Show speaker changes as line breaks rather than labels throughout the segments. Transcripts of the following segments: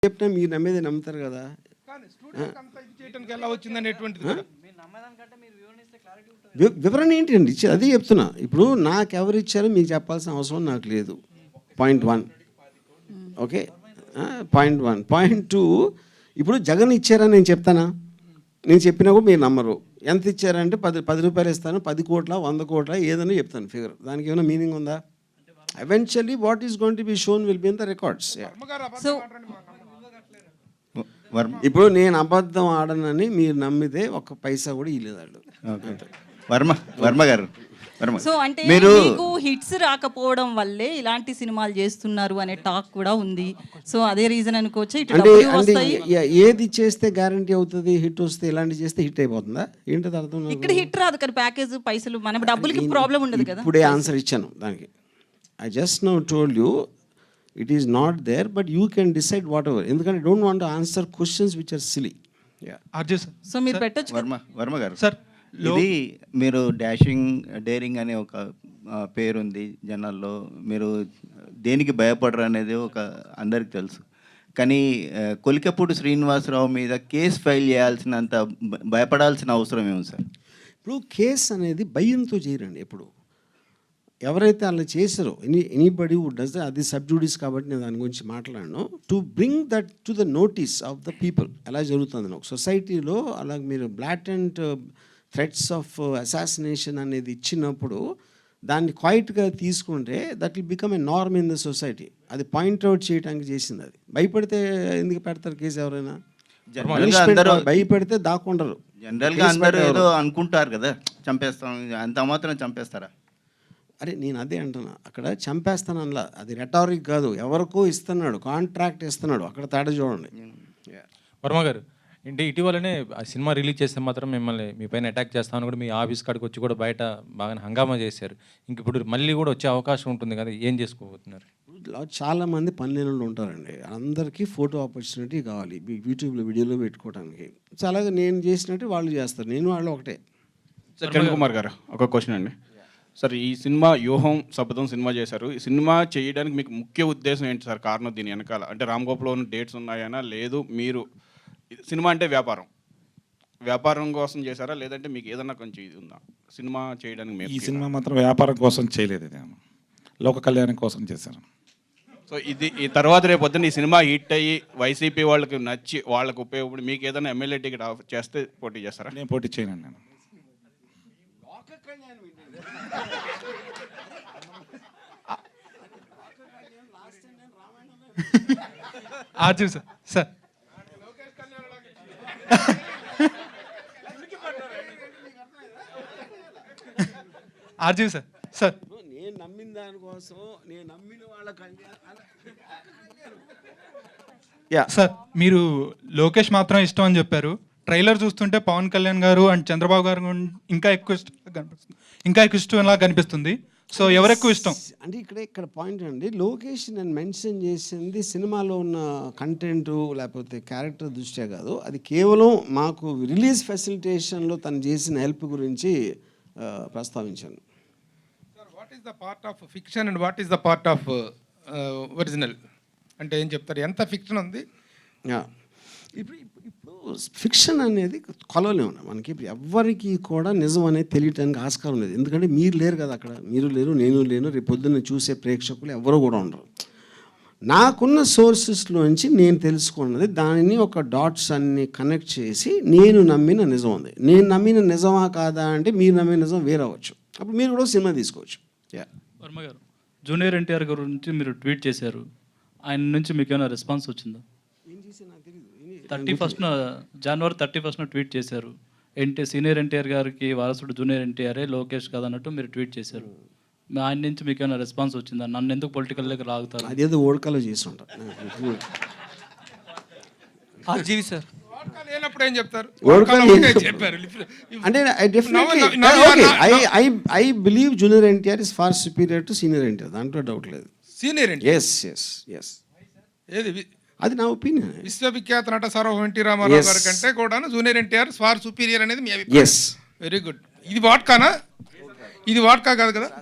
చెప్పినా మీరు నమ్మేది నమ్ముతారు కదా. వివరణ ఏంటి అండి ఇచ్చేది? అదే చెప్తున్నా. ఇప్పుడు నాకు ఎవరు ఇచ్చారో మీకు చెప్పాల్సిన అవసరం నాకు లేదు. పాయింట్ 1. Okay, point 1. పాయింట్ 2, ఇప్పుడు జగన్ ఇచ్చారని నేను చెప్తానా? నేను చెప్పినా కూడా మీరు నమ్మరు. ఎంత ఇచ్చారంటే 10 రూపాయలు ఇస్తాను, 10 కోట్ల 100 కోట్ల ఏదైనా చెప్తాను ఫిగర్. దానికి ఏమైనా మీనింగ్ ఉందా? Eventually what is going to be shown will be in the records.
So
ఇప్పుడు నేను అబద్ధం ఆడనని మీరు నమ్మితే ఒక్క పైసా కూడా ఇవ్వలేదు వాళ్ళు.
వర్మ గారు,
సో అంటే మీకు హిట్స్ రాకపోవడం వల్లే ఇలాంటి సినిమాలు చేస్తున్నారు అనే టాక్ కూడా ఉంది. సో అదే రీజన్ అనుకోవచ్చు.
అంటే ఏది చేస్తే గ్యారంటీ అవుతుంది హిట్ వస్తే? ఇలాంటి చేస్తే హిట్ అయిపోతుందా ఏంటది అర్థం?
ఇక్కడ హిట్ రాదు కానీ ప్యాకేజ్ పైసలు మన డబ్బులకి ప్రాబ్లం ఉండదు కదా.
ఇప్పుడే ఆన్సర్ ఇచ్చాను దానికి. I just now told you it is not there, but you can decide whatever. ఎందుకంటే I don't want to answer questions which are silly.
So మీరు పెట్టొచ్చు.
వర్మ గారు
సార్,
ఇది మీరు డేరింగ్ అనే ఒక పేరుంది జనాల్లో. మీరు దేనికి భయపడరు అనేది ఒక అందరికి తెలుసు. కానీ కొలికపూడి శ్రీనివాసరావు మీద కేసు ఫైల్ చేయాల్సినంత భయపడాల్సిన అవసరం ఏమి సార్?
ఇప్పుడు కేసు అనేది భయంతో చేయరండి. ఎప్పుడు ఎవరైతే అలా చేశారో ఎనీబడి వుడ్ డస్, అది సబ్జూడిస్ కాబట్టి నేను దాని గురించి మాట్లాడను. To bring that to the notice of the people ఎలా జరుగుతుంది ఒక సొసైటీలో. అలాగే మీరు బ్లాటెంట్ థ్రెట్స్ ఆఫ్ అసాసినేషన్ అనేది ఇచ్చినప్పుడు దాన్ని క్వైట్గా తీసుకుంటే that will become a norm in the society. అది పాయింట్అవుట్ చేయడానికి చేసింది. అది భయపడితే ఎందుకు పెడతారు కేసు? ఎవరైనా భయపడితే దాక్కుండరు.
జనరల్గా అందరూ ఏదో అనుకుంటారు కదా, చంపేస్తాం, అంత మాత్రం చంపేస్తారా?
అరే నేను అదే అంటున్నా, అక్కడ చంపేస్తానలా, అది రెటారిక్ కాదు. ఎవరికో ఇస్తున్నాడు, కాంట్రాక్ట్ ఇస్తున్నాడు, అక్కడ తేడా చూడండి.
వర్మ గారు, అంటే ఇటీవలనే ఆ సినిమా రిలీజ్ చేస్తే మాత్రం మిమ్మల్ని మీ పైన అటాక్ చేస్తామని కూడా మీ ఆఫీస్ కాడికి వచ్చి కూడా బయట బాగా హంగామా చేశారు. ఇంక ఇప్పుడు మళ్ళీ కూడా వచ్చే అవకాశం ఉంటుంది కదా, ఏం చేసుకోబోతున్నారు?
చాలామంది పనిలేనులు ఉంటారండి, అందరికీ ఫోటో ఆపర్చునిటీ కావాలి యూట్యూబ్లో వీడియోలో పెట్టుకోవడానికి. సో అలాగే నేను చేసినట్టు వాళ్ళు చేస్తారు, నేను వాళ్ళు ఒకటే.
సార్ కిరణ్ కుమార్ గారు, ఒక క్వశ్చన్ అండి. సార్, ఈ సినిమా వ్యూహం శపథం సినిమా చేశారు. ఈ సినిమా చేయడానికి మీకు ముఖ్య ఉద్దేశం ఏంటి సార్? కారణం దీని వెనకాల అంటే రామ్ గోపాల్లో ఉన్న డేట్స్ ఉన్నాయనా, లేదు మీరు సినిమా అంటే వ్యాపారం కోసం చేశారా, లేదంటే మీకు ఏదన్నా కొంచెం ఇది ఉందా సినిమా చేయడానికి?
ఈ సినిమా మాత్రం వ్యాపారం కోసం చేయలేదు, ఇది లోక కళ్యాణం కోసం చేశాను.
సో ఇది ఈ తర్వాత రేపు పొద్దున్న ఈ సినిమా హిట్ అయ్యి వైసీపీ వాళ్ళకి నచ్చి వాళ్ళకి ఉపయోగపడి మీకు ఏదైనా ఎమ్మెల్యే టికెట్ చేస్తే పోటీ చేస్తారా?
నేను పోటీ చేయను. నేను
RG sir, sir RG sir, sir
నేను నమ్మిన దానికోసం నేను నమ్మిన వాళ్ళ
సార్, మీరు లోకేష్ మాత్రం ఇష్టం అని చెప్పారు. ట్రైలర్ చూస్తుంటే పవన్ కళ్యాణ్ గారు అండ్ చంద్రబాబు గారు ఇంకా ఎక్కువ ఇష్టంలా కనిపిస్తుంది. సో ఎవరు ఎక్కువ ఇష్టం
అంటే ఇక్కడ పాయింట్ అండి. లోకేష్ నేను మెన్షన్ చేసింది సినిమాలో ఉన్న కంటెంట్ లేకపోతే క్యారెక్టర్ దృష్ట్యా కాదు, అది కేవలం మాకు రిలీజ్ ఫెసిలిటేషన్లో తను చేసిన హెల్ప్ గురించి ప్రస్తావించాను.
What is the part of fiction and what is the part of original అంటే ఏం చెప్తారు? ఎంత ఫిక్షన్ ఉంది?
ఇప్పుడు ఫిక్షన్ అనేది కొలవలేము మనకి. ఇప్పుడు ఎవ్వరికి కూడా నిజం అనేది తెలియటానికి ఆస్కారం లేదు, ఎందుకంటే మీరు లేరు కదా అక్కడ. మీరు లేరు, నేను లేను, రేపు పొద్దున్న చూసే ప్రేక్షకులు ఎవరు కూడా ఉండరు. నాకున్న సోర్సెస్లోంచి నేను తెలుసుకున్నది, దానిని ఒక డాట్స్ అన్ని కనెక్ట్ చేసి నేను నమ్మిన నిజం ఉంది. నేను నమ్మిన నిజమా కాదా అంటే మీరు నమ్మిన నిజం వేరే అవ్వచ్చు, అప్పుడు మీరు కూడా సినిమా తీసుకోవచ్చు.
వర్మ గారు, జూనియర్ ఎన్టీఆర్ గారి గురించి మీరు ట్వీట్ చేశారు, ఆయన నుంచి మీకు ఏమైనా రెస్పాన్స్ వచ్చిందా? 31st జనవరి 31st ట్వీట్ చేశారు. సీనియర్ ఎన్టీఆర్ గారికి వారసుడు జూనియర్ ఎన్టీఆర్ఏ, లోకేష్ కాదన్నట్టు మీరు ట్వీట్ చేశారు. ఆయన నుంచి మీకు ఏమైనా రెస్పాన్స్ వచ్చిందా? నన్ను ఎందుకు పొలిటికల్ దగ్గర లాగుతారు?
అదేదో ఓడకాలో చేసి ఉంటారు.
సార్
లేనప్పుడు ఏం చెప్తారు?
అంటే I believe junior NTR is far superior to senior NTR, దాంట్లో డౌట్ లేదు.
సీనియర్ ఎన్టీఆర్,
ఎస్
ఏది
అది నా ఒపీనియన్.
విశ్వవిఖ్యాత నట సార్వభౌమ ఎన్టీ రామారావు గారి కంటే కూడా జూనియర్ ఎన్టీఆర్ ఫార్ సుపీరియర్ అనేది మీ అభిప్రాయం?
ఎస్.
Very good. ఇది వాట్కానా? ఇది వాట్కా కాదు కదా.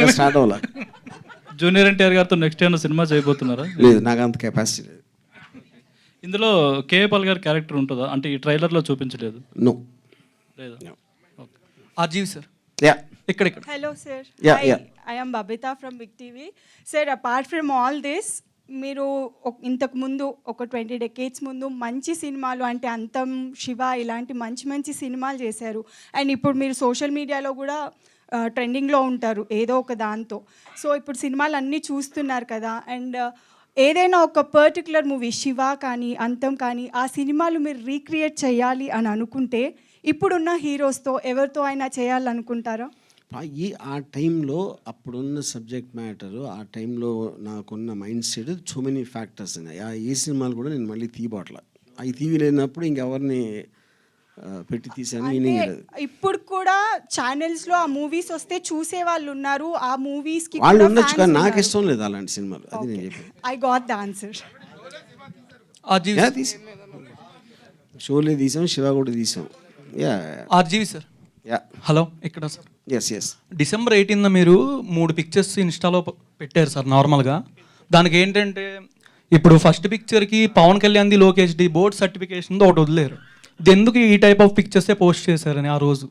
జూనియర్ ఎన్టీఆర్ గారితో నెక్స్ట్ ఏమైనా సినిమా చేయబోతున్నారా?
లేదు, నాకు అంత కెపాసిటీ లేదు.
ఇందులో కేఏ పాల్ గారి క్యారెక్టర్ ఉంటుందా? అంటే ఈ ట్రైలర్లో చూపించలేదు
నో.
లేదా? ఓకే.
ఆర్జీవి సార్
యా
ఇక్కడ
Hello, sir.
Yeah,
Hi,
yeah.
I am Babita from Big TV. Sir, apart from all this, మీరు ఇంతకు ముందు ఒక 20 డెకేడ్స్ ముందు మంచి సినిమాలు అంటే అంతం, శివ ఇలాంటి మంచి మంచి సినిమాలు చేశారు. అండ్ ఇప్పుడు మీరు సోషల్ మీడియాలో కూడా ట్రెండింగ్లో ఉంటారు ఏదో ఒక దాంతో. సో ఇప్పుడు సినిమాలు అన్నీ చూస్తున్నారు కదా. అండ్ ఏదైనా ఒక పర్టికులర్ మూవీ శివ కానీ అంతం కానీ ఆ సినిమాలు మీరు రీక్రియేట్ చేయాలి అని అనుకుంటే ఇప్పుడున్న హీరోస్తో ఎవరితో అయినా చేయాలనుకుంటారా?
ఆ టైంలో అప్పుడున్న సబ్జెక్ట్ మ్యాటరు, ఆ టైంలో నాకున్న mind set so many factors ఉన్నాయి. ఏ సినిమాలు కూడా నేను మళ్ళీ తీయబోట్ల. అవి తీయలేనప్పుడు ఇంకెవరిని పెట్టి తీసాను
అంటే ఇప్పుడు కూడా ఛానల్స్ లో ఆ మూవీస్ వస్తే చూసే వాళ్ళు ఉన్నారు. ఆ మూవీస్ కి
వాళ్ళు ఉండొచ్చు కానీ నాకు ఇష్టం లేదు అలాంటి సినిమాలు. అది నేను చెప్పాను.
I got the answer.
RGV
Sholay తీసాం, శివ కూడా తీసాం. Yeah
RGV sir
yeah
hello ఇక్కడ సార్
ఎస్
డిసెంబర్ 18న మీరు 3 పిక్చర్స్ ఇన్స్టాలో పెట్టారు సార్ నార్మల్గా. దానికి ఏంటంటే ఇప్పుడు ఫస్ట్ పిక్చర్కి పవన్ కళ్యాణ్ది లోకేష్ది బోర్డ్ సర్టిఫికేషన్ ఒకటి వదిలేరు. ఇది ఎందుకు ఈ టైప్ ఆఫ్ పిక్చర్సే పోస్ట్ చేశారని ఆ రోజు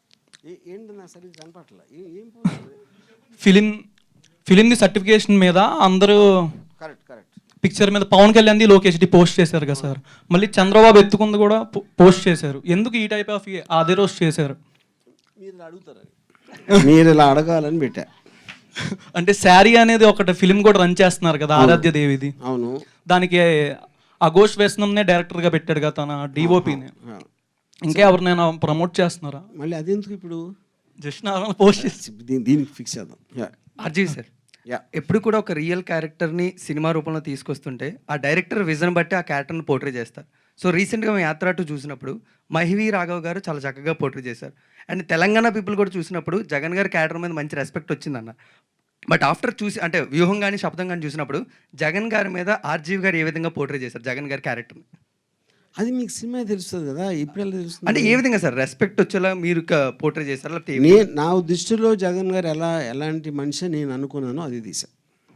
ఫిలింది సర్టిఫికేషన్ మీద అందరూ పిక్చర్ మీద పవన్ కళ్యాణ్ది లోకేష్ది పోస్ట్ చేశారు కదా సార్. మళ్ళీ చంద్రబాబు ఎత్తుకుంది కూడా పోస్ట్ చేశారు. ఎందుకు ఈ టైప్ ఆఫ్ అదే రోజు చేశారు?
మీరు ఇలా అడగాలని పెట్టా.
అంటే శారీ అనేది ఒకటి ఫిలిం కూడా రన్ చేస్తున్నారు కదా ఆరాధ్య దేవిది.
అవును.
దానికి అఘోష్ వేసనంనే డైరెక్టర్గా పెట్టాడు కదా తన డిఓపిని. ఇంకా ఎవరినైనా ప్రమోట్ చేస్తున్నారా?
మళ్ళీ అదెందుకు ఇప్పుడు?
జస్ట్ నార్మల్ పోస్ట్ చేసి
దీనికి ఫిక్స్ చేద్దాం.
అర్జీ సార్ ఎప్పుడు కూడా ఒక రియల్ క్యారెక్టర్ని సినిమా రూపంలో తీసుకొస్తుంటే ఆ డైరెక్టర్ విజన్ బట్టి ఆ క్యారెక్టర్ని పోర్ట్రే చేస్తారు. సో రీసెంట్గా మేము యాత్ర 2 చూసినప్పుడు మహివి రాఘవ్ గారు చాలా చక్కగా పోర్ట్రే చేశారు. అండ్ తెలంగాణ పీపుల్ కూడా చూసినప్పుడు జగన్ గారి క్యారెక్టర్ మీద మంచి రెస్పెక్ట్ వచ్చిందన్న. బట్ ఆఫ్టర్ చూసి అంటే వ్యూహం కానీ శబ్దం కానీ చూసినప్పుడు జగన్ గారి మీద ఆర్జీవి గారు ఏ విధంగా పోర్ట్రే చేశారు జగన్ గారి క్యారెక్టర్ని?
అది మీకు సినిమా తెలుస్తుంది కదా. ఇప్పుడు ఎలా తెలుస్తుంది?
అంటే ఏ విధంగా సార్ రెస్పెక్ట్ వచ్చేలా మీరు పోర్ట్రే చేశారు? లేకపోతే
నేను నా దృష్టిలో జగన్ గారు ఎలాంటి మనిషి నేను అనుకున్నానో అది తీసా.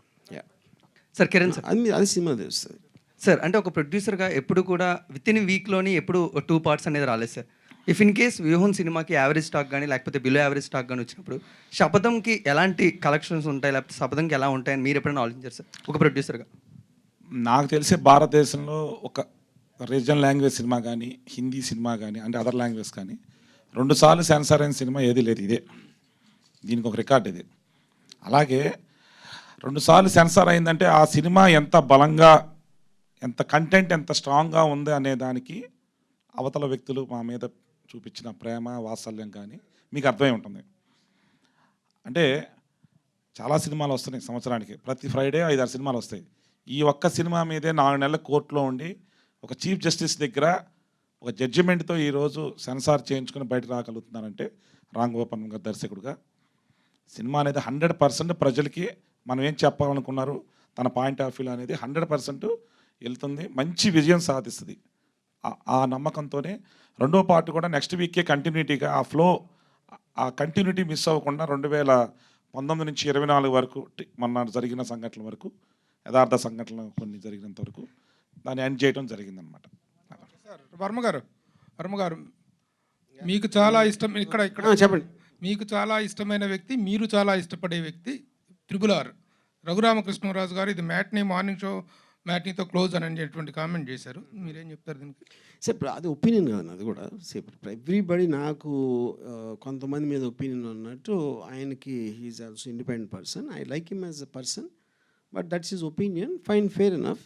సార్ కిరణ్ సార్
అది సినిమా తెలుస్తుంది
సార్. అంటే ఒక ప్రొడ్యూసర్గా ఎప్పుడు కూడా విత్ ఇన్ వీక్లోని ఎప్పుడు 2 పార్ట్స్ అనేది రాలేదు సార్. ఇఫ్ ఇన్ కేస్ వ్యూహం సినిమాకి యావరేజ్ స్టాక్ కానీ లేకపోతే బిలో యావరేజ్ స్టాక్ కానీ వచ్చినప్పుడు శపథంకి ఎలాంటి కలెక్షన్స్ ఉంటాయి లేకపోతే శపథంకి ఎలా ఉంటాయని మీరు ఎప్పుడైనా ఆలోచించారు సార్ ఒక ప్రొడ్యూసర్గా?
నాకు తెలిసే భారతదేశంలో ఒక రీజనల్ లాంగ్వేజ్ సినిమా కానీ హిందీ సినిమా కానీ అంటే అదర్ లాంగ్వేజ్ కానీ 2 సార్లు సెన్సార్ అయిన సినిమా ఏది లేదు. ఇదే దీనికి ఒక రికార్డ్ ఇది. అలాగే 2 సార్లు సెన్సార్ అయిందంటే ఆ సినిమా ఎంత బలంగా ఎంత కంటెంట్ ఎంత స్ట్రాంగ్గా ఉంది అనే దానికి అవతల వ్యక్తులు మా మీద చూపించిన ప్రేమ వాత్సల్యం కానీ మీకు అర్థమై ఉంటుంది. అంటే చాలా సినిమాలు వస్తున్నాయి సంవత్సరానికి, ప్రతి ఫ్రైడే 5-6 సినిమాలు వస్తాయి. ఈ ఒక్క సినిమా మీదే 4 నెలల కోర్టులో ఉండి ఒక చీఫ్ జస్టిస్ దగ్గర ఒక జడ్జిమెంట్తో ఈరోజు సెన్సార్ చేయించుకొని బయట రాగలుగుతున్నారంటే రామ్ గోపాల్ గారు దర్శకుడుగా సినిమా అనేది 100% ప్రజలకి మనం ఏం చెప్పాలనుకున్నారు తన పాయింట్ ఆఫ్ వ్యూ అనేది 100% వెళ్తుంది, మంచి విజయం సాధిస్తుంది. ఆ నమ్మకంతోనే 2వ పార్ట్ కూడా నెక్స్ట్ వీకే కంటిన్యూటీగా ఆ ఫ్లో ఆ కంటిన్యూటీ మిస్ అవ్వకుండా 2019 నుంచి 24 వరకు మొన్న జరిగిన సంఘటనల వరకు యథార్థ సంఘటనలు కొన్ని జరిగినంత వరకు దాన్ని ఎండ్ చేయడం జరిగిందనమాట.
సార్ వర్మ గారు మీకు చాలా ఇష్టం ఇక్కడ
చెప్పండి.
మీకు చాలా ఇష్టమైన వ్యక్తి, మీరు చాలా ఇష్టపడే వ్యక్తి RRR రఘురామకృష్ణరాజు గారు ఇది మార్నింగ్ షో మ్యాట్నీతో క్లోజ్ అని అనేటువంటి కామెంట్ చేశారు. మీరేం చెప్తారు దీనికి?
సార్ అది ఒపీనియన్ కాదు, అది కూడా ఎవ్రీబడి. నాకు కొంతమంది మీద ఒపీనియన్ ఉన్నట్టు ఆయనకి he is also independent person. I like him as a person, but that's his opinion. Fine, fair enough.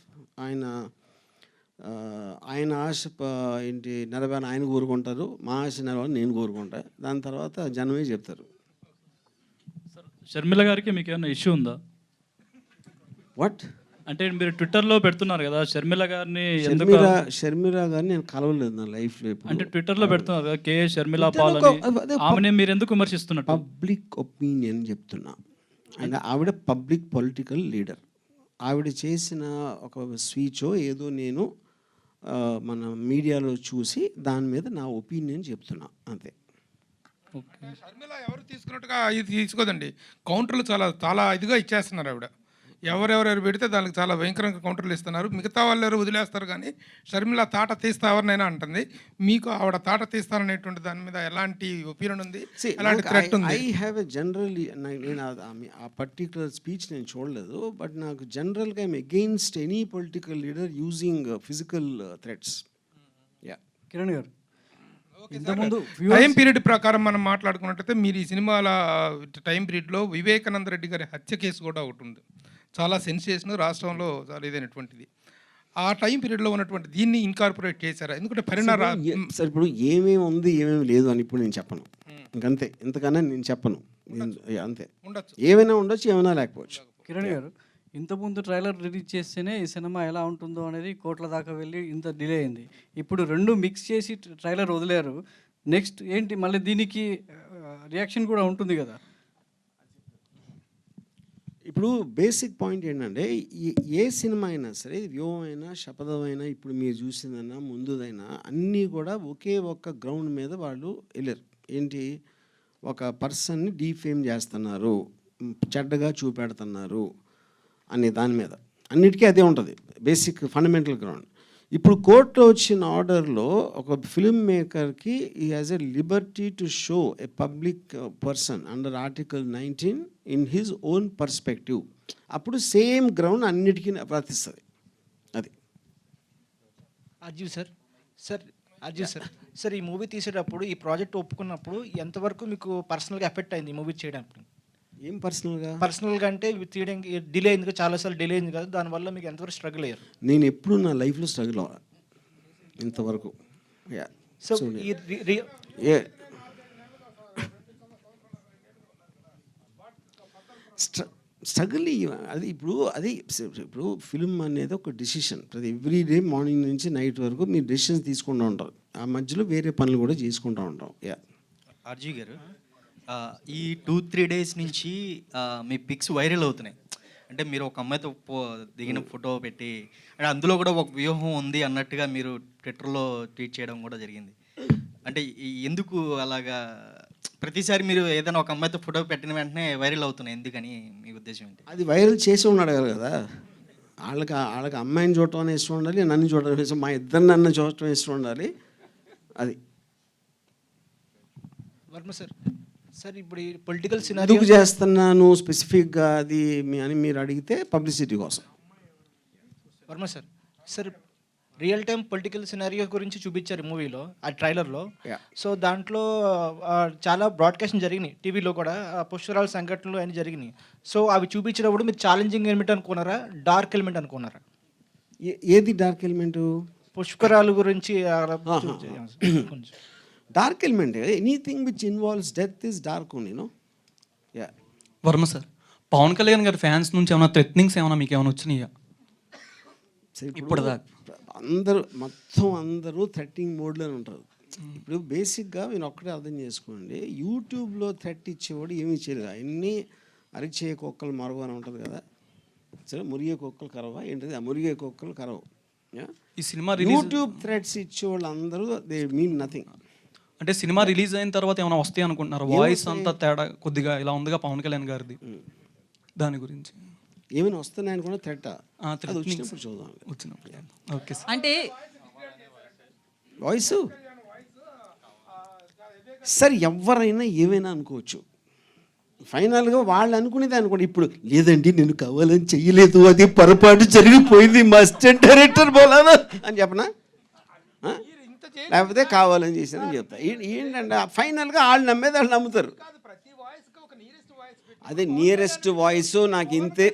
ఆయన ఆశ ఏంటి నెరవేరని ఆయన కోరుకుంటారు, మా ఆశ నెరవేరని నేను కోరుకుంటా. దాని తర్వాత జనమే చెప్తారు.
షర్మిల గారికి మీకు ఏమైనా ఇష్యూ ఉందా?
వాట్
అంటే మీరు ట్విట్టర్లో పెడుతున్నారు కదా షర్మిల గారిని,
షర్మిల గారిని నేను కలవలేదు నా లైఫ్లో. అంటే
ట్విట్టర్లో పెడుతున్నారు కదా కే షర్మిల పాల్ అని, ఆమెని మీరు ఎందుకు విమర్శిస్తున్నారు?
పబ్లిక్ ఒపీనియన్ చెప్తున్నా. అండ్ ఆవిడ పబ్లిక్ పొలిటికల్ లీడర్. ఆవిడ చేసిన ఒక స్పీచో ఏదో నేను మన మీడియాలో చూసి దాని మీద నా ఒపీనియన్ చెప్తున్నా, అంతే.
షర్మిల ఎవరు తీసుకున్నట్టుగా ఇది తీసుకోదండి. కౌంటర్లు చాలా చాలా ఇదిగా ఇచ్చేస్తున్నారు ఆవిడ. ఎవరెవరెవరు పెడితే దానికి చాలా భయంకరంగా కౌంటర్లు ఇస్తున్నారు. మిగతా వాళ్ళు ఎవరు వదిలేస్తారు కానీ షర్మిల తాట తీస్తా ఎవరినైనా అంటుంది. మీకు ఆవిడ తాట తీస్తారనేటువంటి దాని మీద ఎలాంటి ఒపీనియన్ ఉంది, ఎలాంటి థ్రెట్ ఉంది?
ఐ హ్యావ్ ఎ జనరల్లీ నేను ఆ పర్టికులర్ స్పీచ్ నేను చూడలేదు, బట్ నాకు జనరల్గా I'm against any political leader using physical threats. Yeah
Kiran garu
time period ప్రకారం మనం మాట్లాడుకున్నట్టయితే మీరు ఈ సినిమాల టైం పీరియడ్లో వివేకానంద రెడ్డి గారి హత్య కేసు కూడా ఒకటి ఉంది, చాలా సెన్సేషన్, రాష్ట్రంలో చాలా ఇదైనటువంటిది. ఆ టైం పీరియడ్లో ఉన్నటువంటి దీన్ని ఇన్కార్పొరేట్ చేశారా? ఎందుకంటే
సార్ ఇప్పుడు ఏమేమి ఉంది ఏమేమి లేదు అని ఇప్పుడు నేను చెప్పను, ఇంకంతే, ఇంతకన్నా నేను చెప్పను, అంతే.
ఉండొచ్చు,
ఏమైనా ఉండొచ్చు, ఏమైనా లేకపోవచ్చు.
కిరణ్ గారు, ఇంతకుముందు ట్రైలర్ రిలీజ్ చేస్తేనే ఈ సినిమా ఎలా ఉంటుందో అనేది కోట్ల దాకా వెళ్ళి ఇంత డిలే అయింది. ఇప్పుడు రెండు మిక్స్ చేసి ట్రైలర్ వదిలేరు. నెక్స్ట్ ఏంటి మళ్ళీ దీనికి రియాక్షన్ కూడా ఉంటుంది కదా.
ఇప్పుడు బేసిక్ పాయింట్ ఏంటంటే ఏ సినిమా అయినా సరే, వ్యూహం అయినా శపథం అయినా ఇప్పుడు మీరు చూసిందైనా ముందుదైనా అన్నీ కూడా ఒకే ఒక్క గ్రౌండ్ మీద వాళ్ళు వెళ్ళారు. ఏంటి, ఒక పర్సన్ని డీఫేమ్ చేస్తున్నారు, చెడ్డగా చూపెడుతున్నారు అనే దాని మీద, అన్నిటికీ అదే ఉంటుంది బేసిక్ ఫండమెంటల్ గ్రౌండ్. ఇప్పుడు కోర్టులో వచ్చిన ఆర్డర్లో ఒక ఫిల్మ్ మేకర్కి ఈ has a liberty to show a public person under article 19 in his own perspective. అప్పుడు సేమ్ గ్రౌండ్ అన్నిటికీ వర్తిస్తుంది. అది
అర్జీవ్ సార్ ఈ మూవీ తీసేటప్పుడు, ఈ ప్రాజెక్ట్ ఒప్పుకున్నప్పుడు ఎంతవరకు మీకు పర్సనల్గా ఎఫెక్ట్ అయింది ఈ మూవీ చేయడానికి?
ఏం పర్సనల్గా
అంటే తీయడానికి డిలే అయింది కదా, చాలాసార్లు డిలే అయింది కదా, దానివల్ల మీకు ఎంతవరకు స్ట్రగుల్ అయ్యారు?
నేను ఎప్పుడు నా లైఫ్లో స్ట్రగుల్ అవ్వాలి ఇంతవరకు.
సో
స్ట్రగుల్ అది ఇప్పుడు ఫిల్మ్ అనేది ఒక డెసిషన్. ప్రతి ఎవ్రీ డే మార్నింగ్ నుంచి నైట్ వరకు మీరు డెసిషన్స్ తీసుకుంటూ ఉంటారు, ఆ మధ్యలో వేరే పనులు కూడా చేసుకుంటూ ఉంటాం.
ఆర్జీ గారు, ఈ 2-3 డేస్ నుంచి మీ పిక్స్ వైరల్ అవుతున్నాయి. అంటే మీరు ఒక అమ్మాయితో దిగిన ఫోటో పెట్టి, అంటే అందులో కూడా ఒక వ్యూహం ఉంది అన్నట్టుగా మీరు ట్విట్టర్లో ట్వీట్ చేయడం కూడా జరిగింది. అంటే ఎందుకు అలాగా ప్రతిసారి మీరు ఏదైనా ఒక అమ్మాయితో ఫోటో పెట్టిన వెంటనే వైరల్ అవుతున్నాయి, ఎందుకని మీ ఉద్దేశం ఏంటి?
అది వైరల్ చేసి ఉన్నాడు కదా, వాళ్ళకి అమ్మాయిని చూడటం ఇష్టం ఉండాలి, నన్ను చూడటం ఇష్టం, మా ఇద్దరు నన్ను చూడటం ఇష్టం ఉండాలి. అది
వర్మ సార్ ఇప్పుడు ఈ పొలిటికల్
ఎందుకు చేస్తున్నాను స్పెసిఫిక్గా అది అని మీరు అడిగితే పబ్లిసిటీ కోసం.
Varma sir real time political scenario గురించి చూపించారు మూవీలో, ఆ ట్రైలర్లో. సో దాంట్లో చాలా బ్రాడ్కాస్టింగ్ జరిగినాయి టీవీలో కూడా, పుష్కరాల సంఘటనలు అన్నీ జరిగినాయి. సో అవి చూపించినప్పుడు మీరు ఛాలెంజింగ్ ఎలిమెంట్ అనుకున్నారా, డార్క్ ఎలిమెంట్ అనుకున్నారా?
ఏది డార్క్ ఎలిమెంటు?
పుష్కరాల గురించి
dark element, anything which involves death is dark only, no.
Varma sir, Pawan Kalyan గారి ఫ్యాన్స్ నుంచి ఏమైనా థ్రెట్నింగ్స్ ఏమైనా మీకు ఏమైనా వచ్చినాయా ఇప్పటిదాకా?
అందరూ థ్రెట్టింగ్ మోడ్లోనే ఉంటారు. ఇప్పుడు బేసిక్గా మీరు ఒక్కటే అర్థం చేసుకోండి, యూట్యూబ్లో థ్రెట్ ఇచ్చేవాడు ఏమి ఇచ్చేది, అన్నీ అరిచే కుక్కలు మరవ అని ఉంటుంది కదా, సరే మురిగే కుక్కలు కరవా ఏంటిది, ఆ మురిగే కుక్కలు కరవు.
ఈ సినిమా
యూట్యూబ్ థ్రెట్స్ ఇచ్చేవాళ్ళు అందరూ దే మీన్ నథింగ్.
అంటే సినిమా రిలీజ్ అయిన తర్వాత ఏమైనా వస్తాయి అనుకుంటున్నారు? వాయిస్ అంతా తేడా కొద్దిగా ఇలా ఉందిగా పవన్ కళ్యాణ్ గారిది, దాని గురించి
ఏమైనా వస్తున్నాయని కూడా థ్రెట్ వచ్చినప్పుడు చూద్దాం.
Okay sir.
అంటే
వాయిస్ సార్ ఎవరైనా ఏమైనా అనుకోవచ్చు, ఫైనల్గా వాళ్ళు అనుకునేది అనుకోండి. ఇప్పుడు లేదండి నేను కావాలని చెయ్యలేదు, అది పొరపాటు జరిగిపోయింది, మాస్టర్ డైరెక్టర్ బోలానా అని చెప్పనా, లేకపోతే కావాలని చేశారని చెప్తా. ఏంటంటే ఫైనల్గా వాళ్ళు నమ్మేది వాళ్ళు నమ్ముతారు. అదే నియరెస్ట్ వాయిస్ నాకు ఇంతే,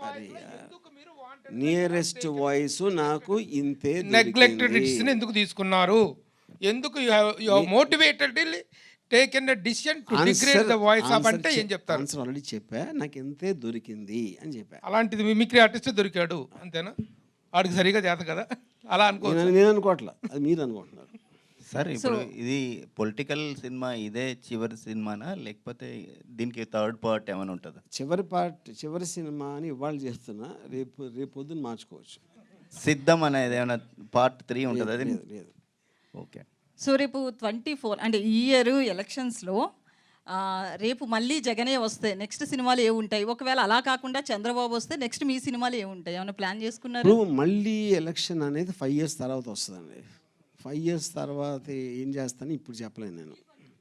నియరెస్ట్ వాయిస్ నాకు ఇంతే.
నెగ్లెక్టెడ్ ఎందుకు తీసుకున్నారు, ఎందుకు motivated taken a decision to degrade the voice of అంటే ఏం చెప్తారు?
ఆన్సర్ ఆల్రెడీ చెప్పా, నాకు ఇంతే దొరికింది అని చెప్పా.
అలాంటిది మిమిక్రీ ఆర్టిస్ట్ దొరికాడు అంతేనా? వాడికి సరిగా చేత కదా అలా అనుకో.
నేను అనుకోవట్లా, అది మీరు అనుకుంటున్నారు.
సార్ ఇప్పుడు ఇది పొలిటికల్ సినిమా, ఇదే చివరి సినిమానా లేకపోతే దీనికి థర్డ్ పార్ట్ ఏమైనా ఉంటుందా?
చివరి సినిమా అని ఇవాళ చేస్తున్నా, రేపు పొద్దున్న మార్చుకోవచ్చు.
సిద్ధం అనేది ఏమైనా పార్ట్ 3 ఉంటుంది? అది
లేదు.
ఓకే.
సో రేపు 24 అంటే ఈ ఇయర్ ఎలక్షన్స్లో రేపు మళ్ళీ జగనే వస్తే నెక్స్ట్ సినిమాలు ఏ ఉంటాయి, ఒకవేళ అలా కాకుండా చంద్రబాబు వస్తే నెక్స్ట్ మీ సినిమాలు ఏ ఉంటాయి, ఏమైనా ప్లాన్ చేసుకున్నారు?
ఇప్పుడు మళ్ళీ ఎలక్షన్ అనేది 5 years తర్వాత వస్తుందండి. 5 years తర్వాత ఏం చేస్తాను ఇప్పుడు చెప్పలేను నేను.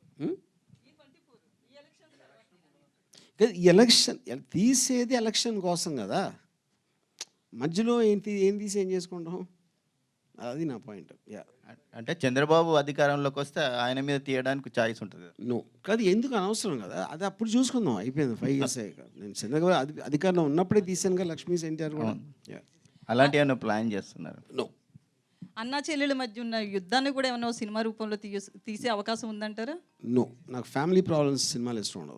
ఎలక్షన్ తీసేది ఎలక్షన్ కోసం కదా, మధ్యలో ఏం తీసి ఏం చేసుకుంటాం, అది నా పాయింట్. యా,
అంటే చంద్రబాబు అధికారంలోకి వస్తే ఆయన మీద తీయడానికి ఛాయిస్ ఉంటుంది.
నో కాదు, ఎందుకు అనవసరం కదా, అది అప్పుడు చూసుకుందాం, అయిపోయింది 5 years అయ్యాక. నేను చంద్రబాబు అధికారంలో ఉన్నప్పుడే తీసాను కదా లక్ష్మీ ఎన్టీఆర్ కూడా.
అలాంటి ఏమైనా ప్లాన్ చేస్తున్నారు?
నో.
అన్నా చెల్లెల మధ్య ఉన్న యుద్ధాన్ని కూడా ఏమైనా సినిమా రూపంలో తీసే అవకాశం ఉందంటారా?
నో, నాకు ఫ్యామిలీ ప్రాబ్లమ్స్ సినిమాలు ఇష్టం ఉండదు.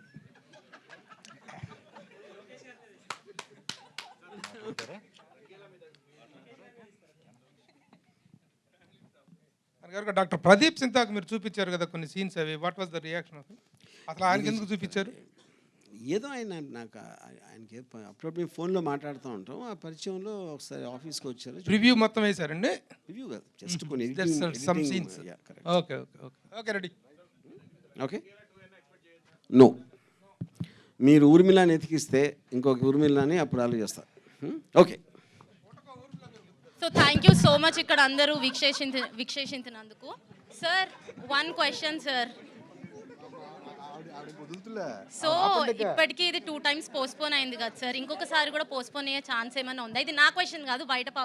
డాక్టర్ ప్రదీప్ సింతాకు మీరు చూపించారు కదా కొన్ని సీన్స్, అవి వాట్ వాజ్ ద రియాక్షన్? అసలు ఆయనకి ఎందుకు చూపించారు?
ఏదో ఆయన నాకు ఆయనకి అప్పుడప్పుడు ఫోన్లో మాట్లాడుతూ ఉంటాం, ఆ పరిచయంలో ఒకసారి ఆఫీస్కి వచ్చారు.
రివ్యూ మొత్తం వేశారండి?
రివ్యూ కాదు, జస్ట్ కొన్ని
some scenes. Okay okay okay okay ready.
Okay. No, మీరు ఊర్మిళాని ఎతికిస్తే ఇంకొక ఊర్మిళాని అప్పుడు ఆలోచిస్తారు. Okay.
So thank you so much ఇక్కడ అందరూ వీక్షించినందుకు. Sir 1 question sir. సో ఇప్పటికీ ఇది 2 times పోస్ట్పోన్ అయింది కదా సార్, ఇంకొకసారి కూడా పోస్ట్పోన్ అయ్యే ఛాన్స్ ఏమైనా ఉందా? ఇది నా క్వశ్చన్ కాదు, బయట